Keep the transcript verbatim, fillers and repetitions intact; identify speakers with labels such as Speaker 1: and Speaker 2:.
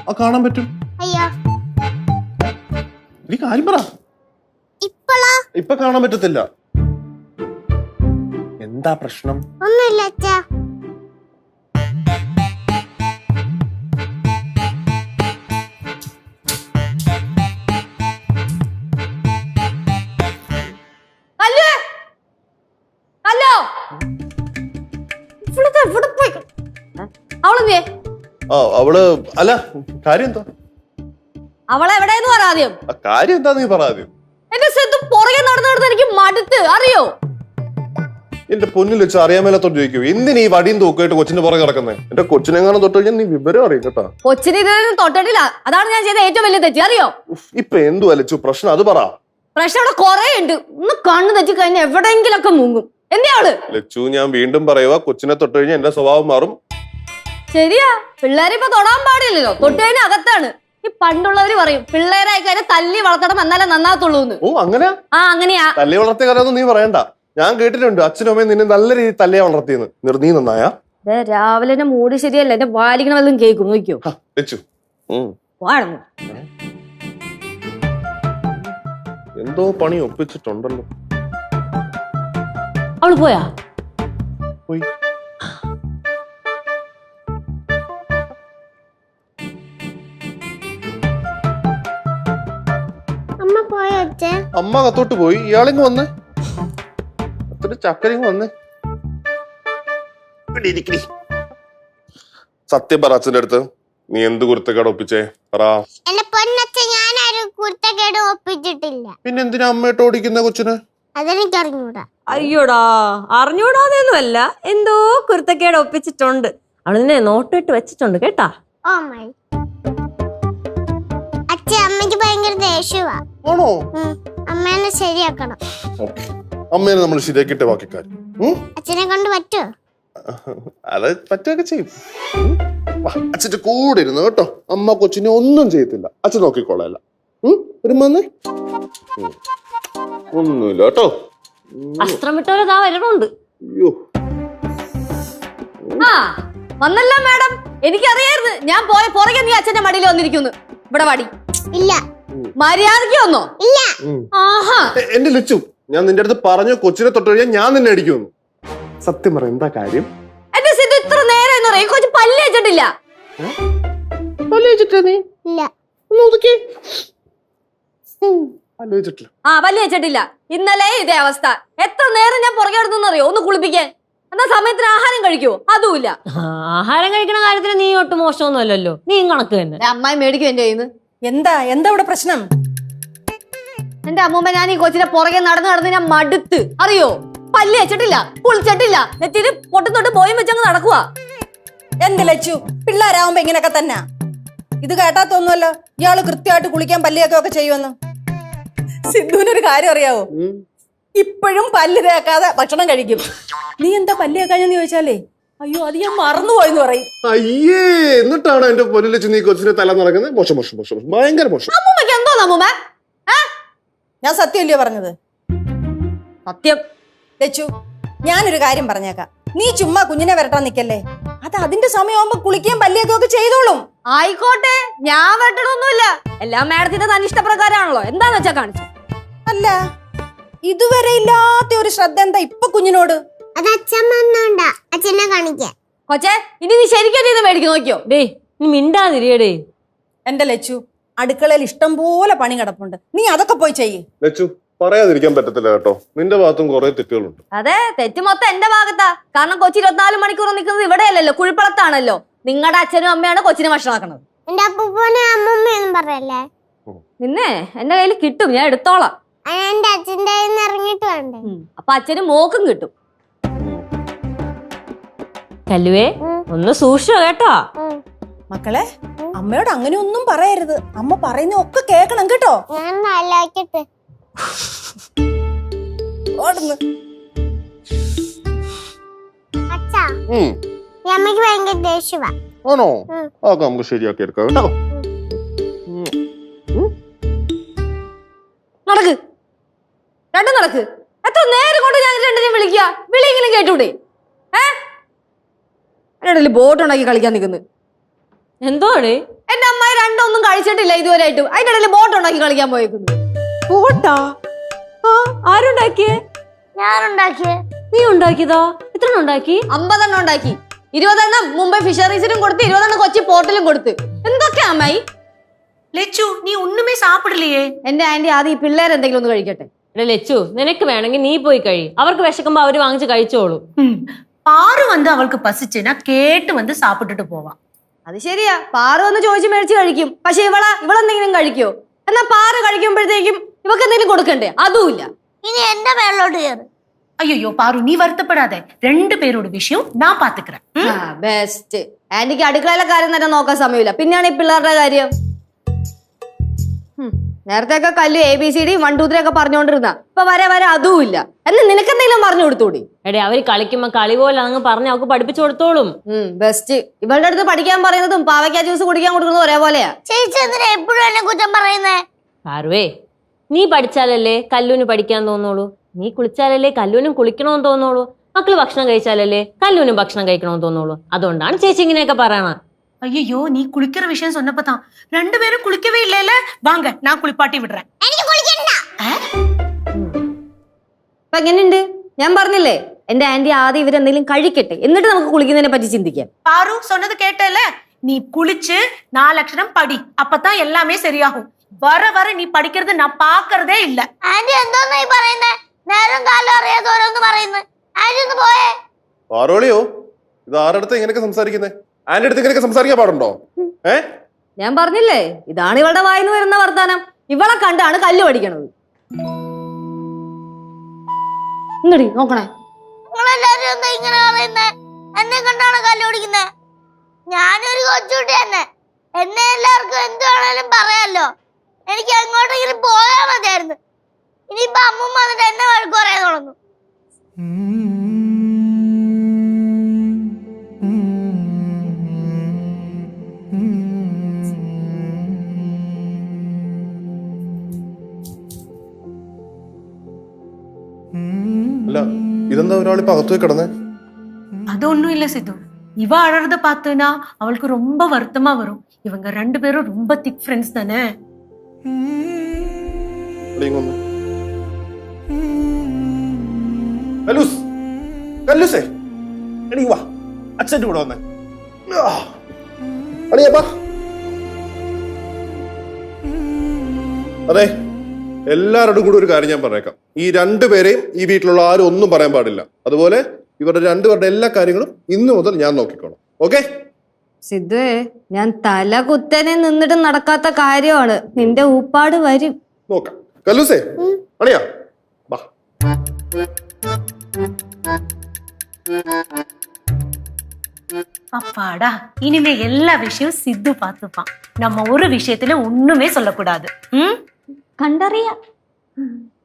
Speaker 1: ആ കാണാൻ പറ്റും.
Speaker 2: അയ്യോ
Speaker 1: നീ കാര്യം പറ.
Speaker 2: ഇപ്പളാ
Speaker 1: ഇപ്പൊ കാണാൻ പറ്റത്തില്ല. എന്താ പ്രശ്നം?
Speaker 2: ഒന്നുമില്ല അച്ഛാ.
Speaker 1: അവള് അല്ല കാര്യം എന്താ?
Speaker 3: അവളെ എവിടെയെന്ന് പറ ആദ്യം.
Speaker 1: കാര്യം എന്താ നീ പറ ആദ്യം.
Speaker 3: എന്റെ സിദ്ധു പുറകെ നടന്നു നടന്ന് എനിക്ക് മടുത്ത് അറിയോ?
Speaker 1: എന്റെ പൊന്നിൽ വെച്ച് അറിയാൻ മേലത്തോട്ട് ചോദിക്കൂ. എന്തിനീ ഈ വടിയും തൂക്കായിട്ട് കൊച്ചിന്റെ പുറകെ കിടക്കുന്നത്? എന്റെ കൊച്ചിനെങ്ങാനും തൊട്ട് കഴിഞ്ഞാൽ നീ വിവരം അറിയും കേട്ടാ.
Speaker 3: കൊച്ചിനെ ഇതൊന്നും തൊട്ടിട്ടില്ല. അതാണ് ഞാൻ ചെയ്ത ഏറ്റവും വലിയ തെറ്റ് അറിയോ?
Speaker 1: ഇപ്പൊ എന്തു അലച്ചു പ്രശ്നം? അത് പറ.
Speaker 3: പ്രശ്നം അവിടെ കൊറേ ഉണ്ട്. ഒന്ന് കണ്ണു തെറ്റി കഴിഞ്ഞാൽ എവിടെയെങ്കിലും ഒക്കെ മുങ്ങും. എന്തിയാള്
Speaker 1: ലച്ചു, ഞാൻ വീണ്ടും പറയുക, കൊച്ചിനെ തൊട്ട് കഴിഞ്ഞാൽ എന്റെ സ്വഭാവം മാറും.
Speaker 3: ശരിയാ, പിള്ളേരെ ഇപ്പൊ തൊടാൻ പാടില്ലല്ലോ. തൊട്ട് കഴിഞ്ഞാൽ അകത്താണ്. ഈ പണ്ടുള്ളവര് പറയും പിള്ളേരായി കഴിഞ്ഞാൽ തല്ലി വളർത്തണം എന്നാലേ നന്നാകത്തുള്ളൂ.
Speaker 1: ഓ അങ്ങനെ?
Speaker 3: ആ അങ്ങനെയാ.
Speaker 1: തല്ലി വളർത്തിയ കാര്യം നീ പറയണ്ട. ഞാൻ കേട്ടിട്ടുണ്ട് അച്ഛനും അമ്മയും നിന്നെ നല്ല രീതിയിൽ തല്ലിയാ വളർത്തിയെന്ന്. നീ നന്നായാ?
Speaker 3: രാവിലെ എന്റെ മൂടി ശരിയല്ല. എന്റെ വാലിക്കണ വല്ലതും കേൾക്കും. നോക്കിയോ
Speaker 1: ലച്ചു.
Speaker 3: വാഴന്നു
Speaker 1: എന്തോ പണി ഒപ്പിച്ചിട്ടുണ്ടല്ലോ.
Speaker 3: അവള് പോയാ?
Speaker 1: പോയി.
Speaker 2: അമ്മ പോയോ അച്ഛാ?
Speaker 1: അമ്മ കത്തോട്ട് പോയി. ഇയാളിങ് വന്ന് അത്ര ചക്കരിങ് വന്ന് സത്യം പറ. അച്ഛൻ്റെ അടുത്ത് നീ എന്ത് കുരുത്തക്കേട് ഒപ്പിച്ചേ പറ.
Speaker 2: എന്റെ പൊന്നച്ഛ, ഞാനൊരു കുരുത്തക്കേട് ഒപ്പിച്ചിട്ടില്ല.
Speaker 1: പിന്നെ എന്തിനാ അമ്മയിട്ട് ഓടിക്കുന്ന കൊച്ചിന്?
Speaker 2: അതെനിക്ക് അറിഞ്ഞൂടാ.
Speaker 4: അയ്യോടാ, അറിഞ്ഞൂടാതെയൊന്നുമല്ല, എന്തോ കുരുത്തക്കേട് ഒപ്പിച്ചിട്ടുണ്ട്. അവള് നിന്നെ നോട്ടിട്ട് വെച്ചിട്ടുണ്ട് കേട്ടാ.
Speaker 2: Oh my. അച്ഛ, അമ്മയ്ക്ക് ഭയങ്കര ദേഷ്യവാ.
Speaker 1: ആണോ?
Speaker 2: അമ്മേനെ ശരിയാക്കണം.
Speaker 1: അമ്മേനെ നമ്മൾ ശരിയാക്കിട്ടെ ബാക്കി കാര്യം.
Speaker 2: അച്ഛനെ കൊണ്ട് പറ്റുമോ?
Speaker 1: അത് പറ്റുകയൊക്കെ ചെയ്യും. അച്ഛന്റെ കൂടെ ഇരുന്നു കേട്ടോ. അമ്മ കൊച്ചിനെ ഒന്നും ചെയ്യത്തില്ല. അച്ഛൻ നോക്കിക്കോളല്ല. വരുമ്പോ ഒന്നുമില്ല കേട്ടോ.
Speaker 4: അസ്ത്രം വിട്ടവരതാ വരണുണ്ട്.
Speaker 1: അയ്യോ,
Speaker 3: ആ വന്നല്ല മാഡം. എനിക്കറിയായിരുന്നു ഞാൻ പോയ പുറകെ നീ അച്ഛന്റെ മടിയിൽ വന്നിരിക്കുന്നു. ഇവിടെ വടി
Speaker 2: ഇല്ല.
Speaker 3: മര്യാദയ്ക്ക് വന്നോ?
Speaker 2: ഇല്ല.
Speaker 3: ആഹാ,
Speaker 1: എന്റെ ലച്ചു, ഞാൻ നിന്റെ അടുത്ത് പറഞ്ഞു കൊച്ചിനെ തൊട്ട് കഴിഞ്ഞാൽ ഞാൻ നിന്നെ അടിക്കുന്നു. സത്യം പറ, എന്താ കാര്യം?
Speaker 3: എന്റെ സിദ്ധു ഇത്ര നേരം എന്ന് പറയും കൊച്ചു പല്ല് വെച്ചിട്ടില്ല.
Speaker 1: പല്ല് വെച്ചിട്ടാ നീ?
Speaker 2: ഇല്ല.
Speaker 3: ആ പല്ല് വെച്ചിട്ടില്ല. ഇന്നലെ ഇതേ അവസ്ഥ. എത്ര നേരം ഞാൻ പുറകെ എടുത്തെന്നറിയോ ഒന്ന് കുളിപ്പിക്കാൻ. എന്നാ സമയത്തിന് ആഹാരം കഴിക്കുവോ? അതുമില്ല.
Speaker 4: ആഹാരം കഴിക്കണ കാര്യത്തിന് നീ ഒട്ടും മോശമൊന്നും അല്ലല്ലോ. നീ കണക്ക് തന്നെ.
Speaker 3: അമ്മായി മേടിക്കും എന്റെ കയ്യിൽ നിന്ന്.
Speaker 5: എന്താ എന്താ ഇവിടെ പ്രശ്നം?
Speaker 3: എന്റെ അമ്മൂമ്മ, ഞാൻ ഈ കൊച്ചിനെ പുറകെ നടന്ന് നടന്ന് ഞാൻ മടുത്ത് അറിയോ. പല്ല് വെച്ചിട്ടില്ല, കുളിച്ചിട്ടില്ല, നെറ്റിയിൽ പൊട്ടും തൊട്ട് പോയും വെച്ചങ്ങ് നടക്കുവാ.
Speaker 5: എന്ത് ലച്ചു, പിള്ളേരാവുമ്പോ ഇങ്ങനെയൊക്കെ തന്നെ. ഇത് കേട്ടാത്തൊന്നുമല്ലോ ഇയാള് കൃത്യമായിട്ട് കുളിക്കാൻ പല്ലിയൊക്കെ ഒക്കെ ചെയ്യുമെന്ന്. സിദ്ധുവിനൊരു കാര്യം അറിയാവോ? ഇപ്പോഴും പല്ല് തേക്കാതെ ഭക്ഷണം കഴിക്കും. നീ എന്താ പല്ല് തേക്കാഞ്ഞെന്ന് ചോദിച്ചാലേ, അയ്യോ അത് ഞാൻ മറന്നുപോയെന്ന് പറയും.
Speaker 1: അയ്യേ, എന്നിട്ടാണ് എന്റെ പൊന്നിൽ വെച്ച് നീ കൊച്ചിനെ തല നടക്കുന്നത്? മോശം മോശം മോശം, ഭയങ്കര മോശം.
Speaker 3: അമ്മൂമ്മക്ക് എന്തോ അമ്മൂമ്മ?
Speaker 5: ഞാൻ സത്യമല്ലയോ പറഞ്ഞത്?
Speaker 3: സത്യം.
Speaker 5: ലച്ചു, ഞാനൊരു കാര്യം പറഞ്ഞേക്കാം. നീ ചുമ്മാ കുഞ്ഞിനെ വരട്ടാൻ നിക്കല്ലേ. അത് അതിന്റെ സമയമാകുമ്പോ കുളിക്കാൻ പല്ലിയൊക്കെ ഒക്കെ ചെയ്തോളും.
Speaker 3: ആയിക്കോട്ടെ, ഞാൻ വരട്ടണമൊന്നുമില്ല. എല്ലാം മാഡത്തിന്റെ തന്നിഷ്ടപ്രകാരമാണല്ലോ. എന്താന്ന് വെച്ചാ കാണിച്ചു.
Speaker 5: അല്ല, ഇതുവരെ ഇല്ലാത്ത ഒരു ശ്രദ്ധ എന്താ ഇപ്പൊ കുഞ്ഞിനോട്?
Speaker 2: അത് അച്ഛൻ വന്നോണ്ടാ അച്ഛനെ കാണിക്കാൻ.
Speaker 3: കൊച്ചേ, ഇനി നീ ശരിക്കും ഇത് മേടിക്കും നോക്കിയോ.
Speaker 4: ഡേ നീ മിണ്ടാതിരിയടേ.
Speaker 5: എന്റെ ലച്ചു, അടുക്കളയിൽ ഇഷ്ടം പോലെ പണി കിടപ്പുണ്ട്. നീ അതൊക്കെ പോയി ചെയ്യ്.
Speaker 1: ലച്ചു, പറയാതിരിക്കാൻ പറ്റത്തില്ല കേട്ടോ. നിന്റെ ഭാഗത്തും കുറെ തെറ്റുകളുണ്ട്.
Speaker 3: അതെ, തെറ്റ് മൊത്തം എന്റെ ഭാഗത്താ. കാരണം കൊച്ചി ഇരുപത്തിനാല് മണിക്കൂർ നിൽക്കുന്നത് ഇവിടെയല്ലല്ലോ, കുഴിപ്പളത്താണല്ലോ. നിങ്ങളുടെ അച്ഛനും അമ്മയാണ് കൊച്ചിനെ ഭക്ഷണമാക്കണത്.
Speaker 2: എന്റെ അപ്പൂപ്പനെ അമ്മൂമ്മയൊന്നും പറയല്ലേ.
Speaker 3: നിന്നെ എന്റെ കയ്യിൽ കിട്ടും, ഞാൻ എടുത്തോളാം.
Speaker 2: എന്റെ അച്ഛന്റെ കയ്യിൽ നിന്ന് ഇറങ്ങിട്ട് വേണ്ടേ?
Speaker 3: അപ്പൊ അച്ഛനും മോക്കും കിട്ടും.
Speaker 4: കല്ലുവേ, ഒന്ന് സൂക്ഷിച്ചോ കേട്ടോ.
Speaker 5: മക്കളെ, അമ്മയോട് അങ്ങനെ ഒന്നും പറയരുത്. അമ്മ പറയുന്ന ഒക്കെ കേക്കണം കേട്ടോ.
Speaker 2: ഞാൻ നല്ലാക്കിട്ട് അച്ഛാ, ഈ അമ്മയ്ക്ക് ഭയങ്കര ദേഷ്യവാ.
Speaker 1: ആണോ? അതൊക്കെ നമുക്ക് ശരിയാക്കി എടുക്കാം കേട്ടോ.
Speaker 3: നടക്ക്, രണ്ടും നടക്ക്. എത്ര നേരം കൊണ്ട് ഞാൻ രണ്ടിനെയും വിളിക്കുക. വിളിയെങ്കിലും കേട്ടൂടെ? ഏ എന്റെ ബോട്ട് ഉണ്ടാക്കി കളിക്കാൻ നിൽക്കുന്നു.
Speaker 4: എന്തോടെ?
Speaker 3: എന്റെ അമ്മായി രണ്ടൊന്നും കഴിച്ചിട്ടില്ല ഇതുവരെയായിട്ടും. അതിന്റെ ഇടയിൽ ബോട്ട് ഉണ്ടാക്കി കളിക്കാൻ പോയേക്കുന്നു.
Speaker 4: പോട്ടാ ആ ആരുണ്ടാക്കിയേ?
Speaker 2: ഞാനുണ്ടാക്കിയേ.
Speaker 4: നീ ഉണ്ടാക്കിയതോ? എത്ര ഉണ്ടാക്കി?
Speaker 3: അമ്പതെണ്ണം ഉണ്ടാക്കി. ഇരുപതെണ്ണം മുംബൈ ഫിഷറീസിനും കൊടുത്ത് ഇരുപതെണ്ണം കൊച്ചി പോർട്ടിലും കൊടുത്ത്. എന്തൊക്കെയാ അമ്മായി?
Speaker 6: லெச்சு நீ ஒண்ணுமே சாப்பிடலையே.
Speaker 3: എന്റെ ആന്റി ആദ്യം ഈ പിള്ളേർ എന്തെങ്കിലും ഒന്ന് കഴിക്കട്ടെ.
Speaker 4: എടാ ലച്ചു, നിനക്ക് വേണമെങ്കിൽ നീ പോയി കഴി. അവർക്ക് വിശക്കുമ്പോ അവര് വാങ്ങിച്ച് കഴിച്ചോളൂ.
Speaker 6: பாரு வந்து அவளுக்கு பசிச்சுன்னா கேட்டு வந்து சாப்பிட்டுட்டு போவா.
Speaker 3: അത് ശരിയാ, പാറ ഒന്ന് ചോദിച്ച് മേടിച്ച് കഴിക്കും. പക്ഷെ ഇവളാ ഇവളെന്തെങ്കിലും കഴിക്കോ? എന്നാ പാറ കഴിക്കുമ്പോഴത്തേക്കും ഇവക്ക് എന്തെങ്കിലും കൊടുക്കണ്ടേ? അതുമില്ല.
Speaker 2: ഇനി എന്റെ മേളിലോട്ട് കയറ്.
Speaker 6: ஐயோ பாரு நீ வருத்தப்படாத, ரெண்டு பேரோட விஷயம் நான் பாத்துக்கிறேன்.
Speaker 3: ബെസ്റ്റ്. ആന്റിക്ക് അടുക്കളയിലെ കാര്യം തന്നെ നോക്കാൻ സമയമില്ല, പിന്നെയാണ് ഈ പിള്ളേരുടെ കാര്യം. നേരത്തെ ഒക്കെ Kallu A B C D one two three ഒക്കെ പറഞ്ഞുകൊണ്ടിരുന്ന ഇപ്പൊ വരെ വരെ അതും ഇല്ല. എന്ന് നിനക്ക് എന്തെങ്കിലും പറഞ്ഞു കൊടുത്തൂടി?
Speaker 4: എടേ അവര് കളിക്കുമ്പോ കളി പോലെ അങ്ങ് പറഞ്ഞ് അവർക്ക് പഠിപ്പിച്ചു കൊടുത്തോളും.
Speaker 3: ബെസ്റ്റ്. ഇവളുടെ അടുത്ത് പഠിക്കാൻ പറയുന്നതും പാവയ്ക്ക ജ്യൂസ് കുടിക്കാൻ കൊടുക്കുന്നതും ഒരേപോലെയാ.
Speaker 2: ചേച്ചി എന്തിനാ എപ്പോഴും എന്നെ കുറ്റം പറയുന്നേ?
Speaker 4: പാറുവേ, നീ പഠിച്ചാലല്ലേ കല്ലൂന് പഠിക്കാൻ തോന്നുള്ളൂ. നീ കുളിച്ചാലല്ലേ കല്ലൂനും കുളിക്കണമെന്ന് തോന്നുള്ളൂ. മക്കള് ഭക്ഷണം കഴിച്ചാലല്ലേ കല്ലൂനും ഭക്ഷണം കഴിക്കണമെന്ന് തോന്നുള്ളൂ. അതുകൊണ്ടാണ് ചേച്ചി ഇങ്ങനെയൊക്കെ പറയണത്.
Speaker 6: ஐயோ நீ குளிக்கிற விஷயம் சொன்னப்பதான் ரெண்டு பேரும் குளிக்கவே இல்லைல. வாங்க நான் குளிப்பாட்டி விடுறேன்.
Speaker 2: എനിക്ക് കുളിക്കണ്ട.
Speaker 3: അപ്പൊ എങ്ങനെയുണ്ട്? ഞാൻ പറഞ്ഞില്ലേ എന്റെ ആന്റി ആദ്യം ഇവരെന്തെങ്കിലും കഴിക്കട്ടെ, എന്നിട്ട് നമുക്ക് കുളിക്കുന്നതിനെ പറ്റി ചിന്തിക്കാം.
Speaker 6: பாரு சொன்னது கேட்டல, நீ குளிச்சு நாலு அக்ஷரம் படி, அப்பதான் எல்லாமே சரியாகும். வர வர நீ படிக்கிறது நான் பாக்குறதே இல்ல.
Speaker 2: ആന്റി എന്തോന്നാ ഈ പറയുന്നേ? നേരം കാലം അറിയാതെ ഓരോന്ന് പറയുന്നു. ആന്റി ഒന്ന് പോയേ.
Speaker 1: പാറോളിയോ, ഇത് ആരുടെ അടുത്ത് ഇങ്ങനെയൊക്കെ സംസാരിക്കുന്നേ? ആന്റെ അടുത്ത് ഇങ്ങനെയൊക്കെ സംസാരിക്കാൻ പാടുണ്ടോ? ഏ
Speaker 3: ഞാൻ പറഞ്ഞില്ലേ ഇതാണ് ഇവളുടെ വായിന്ന് വരുന്ന വർത്താനം. ഇവളെ കണ്ടാണ് കല്ല് പഠിക്കണത്. ഇങ്ങടി നോക്കണേ.
Speaker 2: നിങ്ങളെല്ലാരും എന്താ ഇങ്ങനെ പറയുന്നേ? എന്നെ കണ്ടാണ് കല്ല് ഓടിക്കുന്നേ? ഞാനൊരു കൊച്ചുകുട്ടി തന്നെ. എന്നെ എല്ലാവർക്കും എന്ത് വേണേലും പറയാലോ. എനിക്ക് എങ്ങോട്ടെങ്കിലും പോയാ മതിയായിരുന്നു. ഇനിയിപ്പൊ അമ്മ വന്നിട്ട് എന്നെ വഴക്ക് പറയാൻ തുടങ്ങും.
Speaker 1: അല്ല, ഇതെന്താ ഒരാളിപ്പോ അകത്തു പോയി കിടന്നേ?
Speaker 6: அது ஒண்ணும் இல்ல சித்து. இவ அழறத பார்த்தனா அவளுக்கு ரொம்ப வருத்தமா வரும். இவங்க ரெண்டு பேரும் ரொம்ப திக் ஃப்ரெண்ட்ஸ் தானே.
Speaker 1: കല്ലൂസ്, കല്ലൂസേ, എടീ വാ, അച്ഛൻ്റെ കൂടെ വന്നേ. അടിയപ്പാ. അതെ, എല്ലാവരോടും കൂടി ഒരു കാര്യം ഞാൻ പറഞ്ഞേക്കാം. ഈ രണ്ടുപേരെയും ഈ വീട്ടിലുള്ള ആരും ഒന്നും പറയാൻ പാടില്ല. അതുപോലെ ഇവരുടെ രണ്ടുപേരുടെ എല്ലാ കാര്യങ്ങളും ഇന്നു മുതൽ ഞാൻ നോക്കിക്കോളാം. ഓക്കെ?
Speaker 3: സിദ്ധുവേ, ഞാൻ തല കുത്തനെ നിന്നിട്ട് നടക്കാത്ത കാര്യമാണ്. നിന്റെ ഊപ്പാട് വരും.
Speaker 1: നോക്കാം. കല്ലൂസേ, അണിയാ വാ.
Speaker 6: அப்பாடா, இனிமே எல்லா விஷயம் சித்து பார்த்துப்பான். நம்ம ஒரு விஷயத்துல ஒண்ணுமே சொல்லக்கூடாது. ம்
Speaker 3: കണ്ടറിയാം.